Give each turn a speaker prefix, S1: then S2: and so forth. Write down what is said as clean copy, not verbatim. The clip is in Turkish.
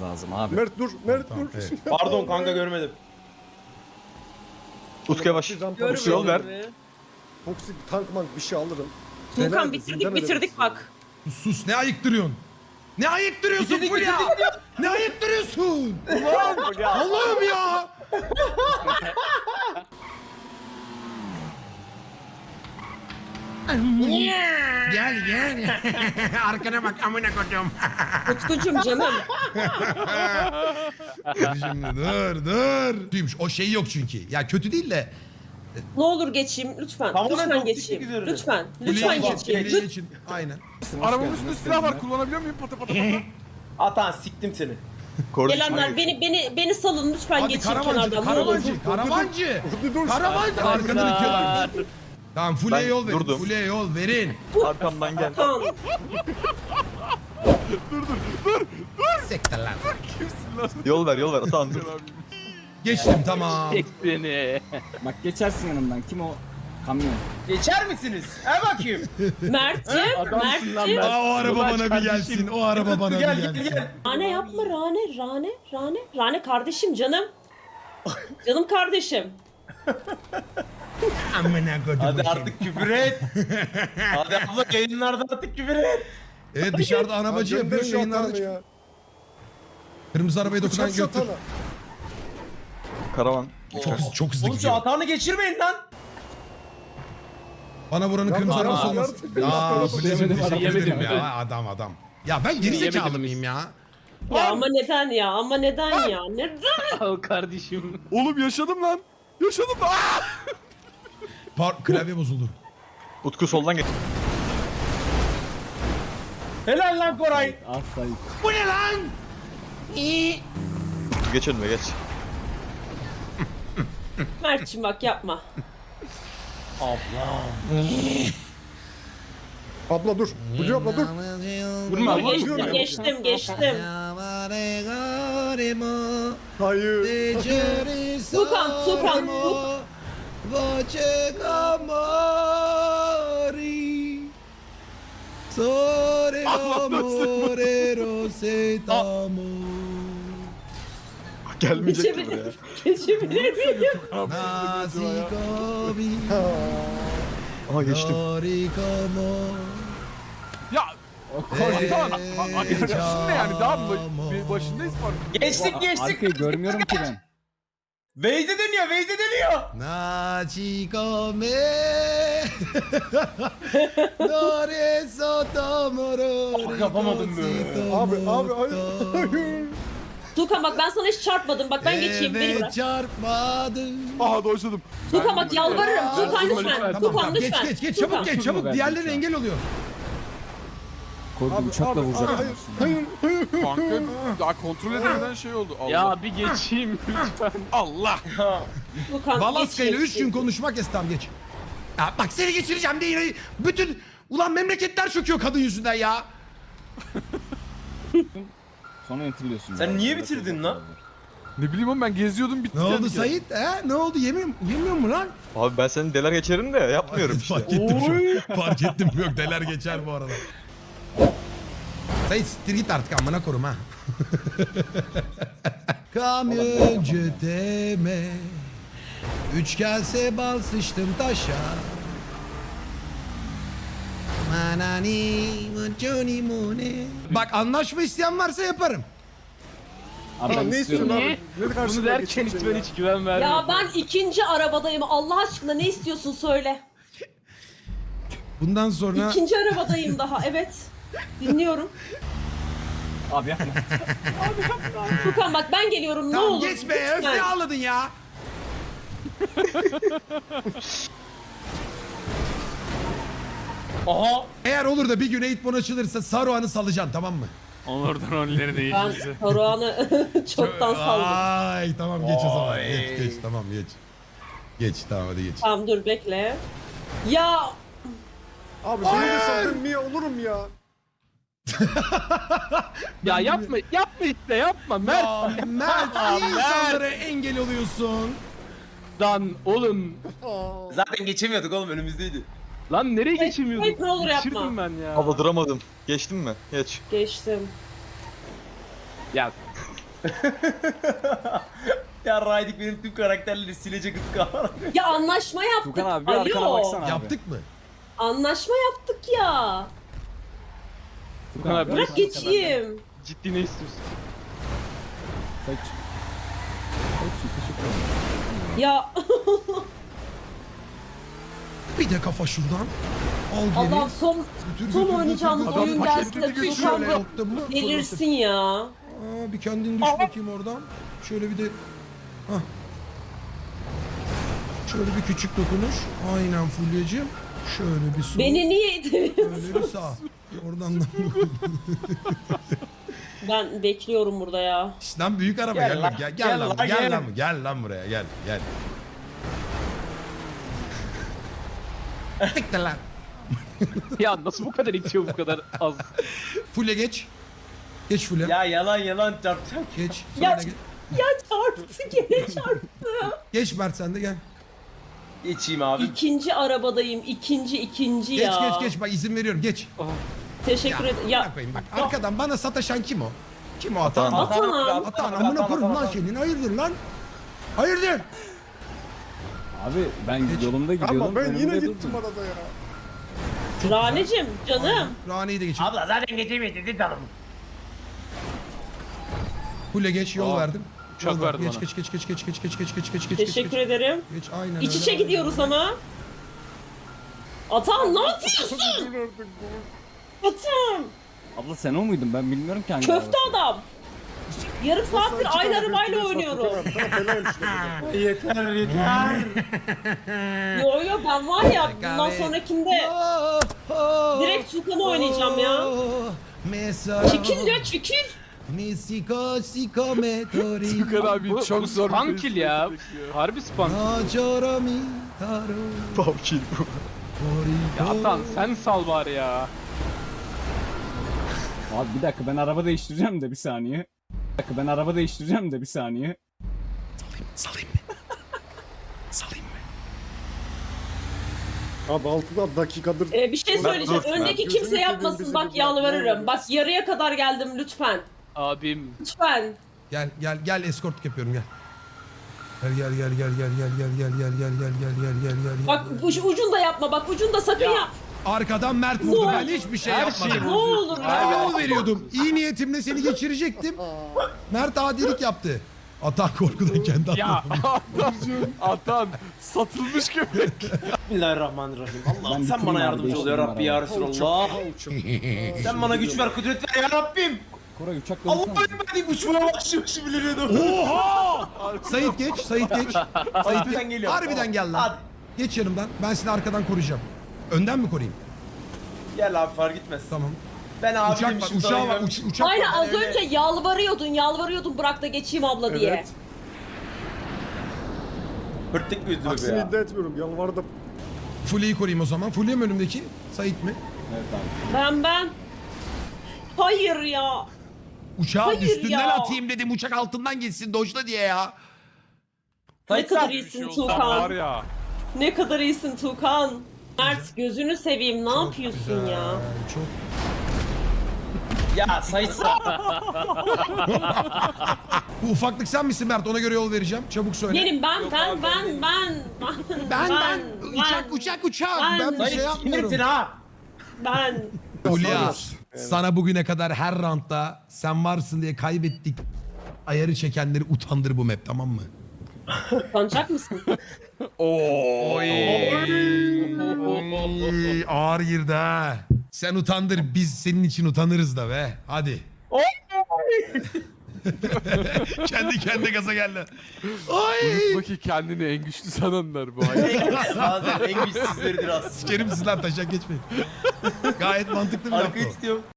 S1: lazım abi.
S2: Mert dur, Mert
S3: Tamam,
S2: dur.
S3: evet.
S4: Pardon kanka görmedim.
S3: Utku yavaş.
S2: Rampa-
S3: Yol ver.
S2: Toksik tank mank bir şey alırım.
S5: Tuğkan
S2: Denerdim,
S5: bitirdik
S2: denemedim.
S5: bitirdik bak.
S3: Sus ne ayıktırıyorsun? Ne ayıktırıyorsun
S4: Bitirdik,
S3: Fulya? Ne ayıktırıyorsun? Allah'ım ya. Gel gel. Arkana bak amına koydum.
S5: Utkucuğum canım.
S3: Şimdi dur. Duymuş o şey yok çünkü. Ya kötü değil de.
S5: Ne olur geçeyim lütfen.
S4: Tamamen
S5: Lütfen
S4: toksik
S5: geçeyim.
S4: üzerine.
S5: Lütfen.
S3: Fulya
S5: Lütfen
S3: geçin,
S5: geçeyim.
S3: Fulya geçin. Aynen.
S6: Arabamın üstünde silah var. Kullanabiliyor muyum? Pata pata pata.
S4: Atan siktim seni.
S5: Gelenler beni salın lütfen
S3: Hadi
S5: geçeyim
S3: karavancı,
S5: kenardan. Ne olur.
S3: karavancı.
S2: Dur dur.
S3: Karavancı. Arkada bitiyorlar. Tamam Fulya'ya
S7: Ben
S3: yol verin.
S7: durdum.
S3: Fulya'ya yol verin.
S7: Arkamdan gel.
S5: Tamam.
S3: Sektir lan.
S7: Yol ver Atan dur.
S3: Geçtim tamam.
S1: Bak geçersin yanımdan. Kim o? Kamyon.
S4: Geçer misiniz? bakayım.
S5: Mert'cim. Mert'cim.
S3: Aa, o araba bana bir gelsin. O araba bana bir
S4: Gel
S3: gelsin.
S4: gel.
S5: Rane yapma Rane. Rane kardeşim canım. Canım kardeşim.
S3: Amına koydum.
S4: Hadi artık küfür et. Hadi abla yayınlarda artık küfür et.
S3: Evet dışarıda anabacı
S2: Gönder
S3: yapıyor
S2: şu
S3: yayınlarda
S2: atanı
S3: çıkıyor.
S2: ya.
S3: Kırmızı arabaya dokunan
S2: Uçak şu
S3: götür.
S2: atanı.
S7: Karavan.
S3: Çok hızlı
S4: Oğlum şu
S3: gidiyor.
S4: hatanı geçirmeyin lan.
S3: Bana vuranın
S2: Yapma,
S3: kırmızı
S2: yapma,
S3: arabası olmasın.
S2: yapma.
S3: Aa
S2: Yapma.
S3: Fulya'cığım teşekkür
S1: Yemedim,
S3: ederim
S1: yemedim.
S3: ya adam. Ya ben gerizekalı mıyım ya?
S5: Ya ama neden ya? Ama neden ya? Neden?
S6: Oğlum yaşadım lan. Yaşadım lan.
S3: Klavye bozuldu.
S7: Utku soldan geç.
S4: Helal lan Koray.
S1: Asla.
S3: Bu ne lan?
S7: Geç önüme geç.
S5: Mert'cim bak yapma.
S2: Abla dur. Fulya abla dur.
S1: Vurma vurma.
S5: Geçtim.
S2: Hayır.
S5: Tukan.
S3: Voce amori Sore amore rosetamo
S7: Gelmeyecek mi buraya?
S5: Geçebilir miyim?
S3: Nasikobi
S7: Aha geçtim.
S3: Dorikomo
S6: Ya. Atan. Arkadaşın ne yani? Daha başındayız mı?
S4: Geçtik geçtik.
S1: Arkayı görmüyorum ki ben.
S4: Veyze dönüyor.
S3: Nachikome Dore sotomoro
S4: Yapamadım be.
S2: Abi hayır.
S5: Tukan bak ben sana hiç çarpmadım. Bak ben geçeyim beni bırak.
S3: çarpmadım.
S6: Aha dojladım.
S5: Tukan bak yalvarırım. Tukan lütfen. Tukan lütfen.
S3: Geç çabuk geç çabuk
S1: Tukan.
S3: diğerleri engel oluyor.
S1: Koydu uçakla vuracak.
S2: Hayır.
S6: Kanka daha kontrol edemeden şey oldu. Allah.
S8: Ya bir geçeyim lütfen.
S6: Allah.
S5: Tukan
S3: Balaska ile
S5: geç,
S3: 3 gün
S5: geç.
S3: konuşmak istem geç. Ya bak seni geçireceğim diye yine bütün ulan memleketler çöküyor kadın yüzünden ya.
S1: Sonra enterliyorsun.
S4: Sen niye bitirdin lan?
S6: Ne bileyim oğlum ben geziyordum bitti.
S3: Ne oldu
S6: kendi kendine.
S3: Sait? He? Ne oldu? Yemiyor mu lan?
S7: Abi ben seni deler geçerim de yapmıyorum işte.
S3: Fark ettim şu an. Fark ettim. Yok deler geçer bu arada. Sait siktir git artık amına korum ha. Kamyoncu deme. Üç kase bal sıçtım taşa. Manani muncuni mune. Bak anlaşma isteyen varsa yaparım.
S1: Abi
S2: Tamam
S1: ben
S2: ne istiyorsun
S1: istiyorum.
S2: abi? Ne
S8: Bunu
S2: karşılığında
S8: derken
S2: geçeceksin
S8: hiç ben
S2: ya?
S8: hiç güven vermiyorum.
S5: Ya ben ikinci arabadayım. Allah aşkına ne istiyorsun söyle.
S3: Bundan sonra...
S5: İkinci arabadayım daha. Evet. Dinliyorum.
S1: Abi yapma.
S5: Tukan bak ben geliyorum ne
S3: Tamam
S5: olur.
S3: geç be
S5: lütfen.
S3: öfke ağladın ya.
S4: Aha.
S3: Eğer olur da bir gün Eğitmen açılırsa Saruhan'ı salacaksın tamam mı?
S8: Onurdan rolleri değil
S5: Ben
S8: bizi.
S5: Saruhan'ı çoktan saldım.
S3: Ay tamam geç o zaman. Geç tamam geç. Geç tamam hadi geç.
S5: Tamam dur bekle. Ya
S2: Abi beni de saldın niye olurum ya?
S8: Ya yapma işte yapma Mert.
S3: Ya Mert iyi insanlara engel oluyorsun.
S8: Lan oğlum.
S4: Zaten geçemiyorduk oğlum önümüzdeydi.
S8: Lan nereye geçemiyorduk?
S5: hayır, ne olur yapma.
S8: Geçirdim ben ya.
S7: Abla duramadım. Geçtin mi? Geç.
S5: geçtim.
S8: Ya
S4: Ya Raydik benim tüm karakterleri silecek ıtka.
S5: Ya anlaşma yaptık.
S1: Tukan abi bir arkana
S5: Alo.
S1: baksana abi.
S2: Yaptık mı?
S5: Anlaşma yaptık ya.
S8: Tukan abi
S5: Bırak geçeyim.
S8: ciddi ne istiyorsun?
S1: Kaç. Teşekkür ederim.
S5: Ya
S3: Bir de kafa şuradan. Al geri.
S5: Allah son oynayacağımız
S3: Adam
S5: oyun
S3: paketini
S5: gelse
S3: götür
S5: Tukan
S3: şöyle yaptım mı?
S5: delirsin ya.
S3: Aa, bir kendini düş bakayım oradan. Şöyle bir de... Hah. Şöyle bir küçük dokunuş. Aynen Fulya'cığım. Şöyle bir sol.
S5: Beni niye itemiyorsun?
S3: Şöyle bir sağ. Oradan da...
S5: Ben bekliyorum burada ya.
S3: Lan büyük araba
S4: Gel
S3: gel,
S4: lan,
S3: gel,
S4: gel
S3: lan,
S4: lan,
S3: gel
S4: gel.
S3: lan, gel lan buraya gel, gel. Tık da lan.
S8: Ya nasıl bu kadar itiyor bu kadar az?
S3: Fulya geç. Geç Fulya.
S4: Ya yalan çarpacak.
S3: Geç.
S5: Ya-
S3: Sonra geç.
S5: Ya çarptı gene çarptı.
S3: Geç Mert sen de gel.
S4: Geçeyim abi.
S5: İkinci arabadayım. İkinci
S3: Geç
S5: ya.
S3: geç bak izin veriyorum geç.
S5: Teşekkür ederim. Ya
S3: Bak koyayım bak arkadan bana sataşan kim o? Kim o atan?
S5: Atan.
S3: Atan amına koyayım lan senin hayırdır lan? Hayırdır?
S1: Abi ben yolumda gidiyordum.
S2: Ama ben yine
S1: önümde
S2: gittim
S1: durdun.
S2: arada ya.
S5: Ranecim canım.
S3: Rane'yi de geçin.
S4: Abla zaten geçemedi dedi canım.
S3: Fulya geç yol verdim.
S8: uçak
S3: Yol ver.
S8: verdi
S3: geç,
S8: bana.
S3: geç geç geç geç geç geç geç geç geç geç
S5: Teşekkür ederim.
S3: Geç aynen
S5: İç içe
S3: öyle.
S5: gidiyoruz ama. Atan ne yapıyorsun? Atan.
S1: Abla sen o muydun? Ben bilmiyorum ki hangi
S5: Köfte
S1: araba.
S5: adam. Yarım saattir aynı arabayla oynuyorum.
S4: Yeter yeter.
S5: Yo yo ben var ya bundan sonrakinde direkt Tukan'ı oynayacağım ya.
S3: Mesela.
S5: Çekil ya çekil.
S3: Misiko siko metori.
S6: Tukan abi
S8: Bu-
S6: çok
S8: bu
S6: zor bir
S8: spam kill ya.
S6: bekliyor.
S8: Harbi spam.
S3: Nacorami taro.
S7: Pavçil bu.
S8: Ya Atan sen sal bari ya.
S1: Abi bir dakika ben araba değiştireceğim de bir saniye. Bir dakika ben araba değiştireceğim de bir saniye.
S3: Salayım mı? Salayım mı?
S2: Abi 6 dakikadır.
S5: Bir şey söyleyeceğim.
S7: dur,
S5: Öndeki
S2: ben-
S5: kimse
S2: Gözünü
S5: yapmasın.
S2: seveyim,
S5: Bak
S2: bizi
S5: yalvarırım. Bak yarıya kadar geldim lütfen.
S8: Abim.
S5: Lütfen.
S3: Gel eskortluk yapıyorum gel. Gel.
S5: Bak ucunda yapma. Bak ucunda sakın yap.
S3: Arkadan Mert vurdu. Ben hiçbir şey
S8: Her
S3: yapmadım.
S8: şeyi
S5: Ne olur
S3: Ben
S5: ya.
S3: yol veriyordum. İyi niyetimle seni geçirecektim. Mert adilik yaptı. Atan korkudan kendi
S8: Ya
S3: atladı.
S6: Atan satılmış köpek.
S4: Bismillahirrahmanirrahim. Allah'ım
S1: Ben
S4: sen
S1: bitireyim
S4: bana
S1: abi,
S4: yardımcı ol ya
S1: değiştireyim
S4: Rabbi ya
S1: arabayı.
S4: Resulallah. Sen bana güç ver, kudret ver ya Rabbim.
S1: Koray uçakla
S4: Allah'ım
S1: uçsana.
S4: ben deyip uçmaya başlamışım biliriyordum.
S3: Oha! Sait geç. Sait geç.
S4: Harbiden geliyorum.
S3: Harbiden gel lan.
S4: Hadi.
S3: Geç yanımdan. Ben seni arkadan koruyacağım. Önden mi koruyayım?
S4: Gel abi fark etmez.
S3: Tamam.
S4: Ben abi
S3: Uçak var. Uçağı var. Uçak
S5: Aynen
S3: var.
S5: az önce yalvarıyordun bırak da geçeyim abla diye.
S2: Evet.
S4: Hırttık mıyız be
S2: Aksini
S4: ya?
S2: iddia etmiyorum. Yalvardım.
S3: Fulya'yı koruyayım o zaman. Fulya mı önümdeki? Sait mi?
S1: Evet abi.
S5: Ben. Hayır ya.
S3: Uçağı
S5: Hayır
S3: üstünden
S5: ya.
S3: atayım dedim. Uçak altından geçsin dojla diye ya.
S5: Ne
S4: Sait
S5: kadar
S4: sen.
S5: iyisin
S6: Şey olsa var
S5: Tukan.
S6: ya.
S5: Ne kadar iyisin Tukan. Mert gözünü seveyim ne yapıyorsun
S3: Güzel,
S5: ya?
S3: Çok.
S4: Ya Sait sen.
S3: Bu ufaklık sen misin Mert? Ona göre yol vereceğim. Çabuk söyle.
S5: Benim ben.
S3: Uçak. Ben bir
S4: Sait
S3: şey yapmıyorum.
S4: sinirsin ha.
S5: Ben.
S3: Fulya, sana bugüne kadar her roundda sen varsın diye kaybettik. Ayarı çekenleri utandır bu map, tamam mı?
S5: Utanacak mısın?
S3: Oy. Ağır girdi ha. Sen utandır, biz senin için utanırız da be. Hadi. Kendi kendine gaza geldi. Oy.
S6: Unutma ki kendini en güçlü sananlar bu hayat.
S4: Bazen en güçsüzleridir aslında.
S3: Sikerim siz lan taşak geçmeyin. Gayet mantıklı bir laf
S4: Arkayı
S3: o.
S4: tutuyorum.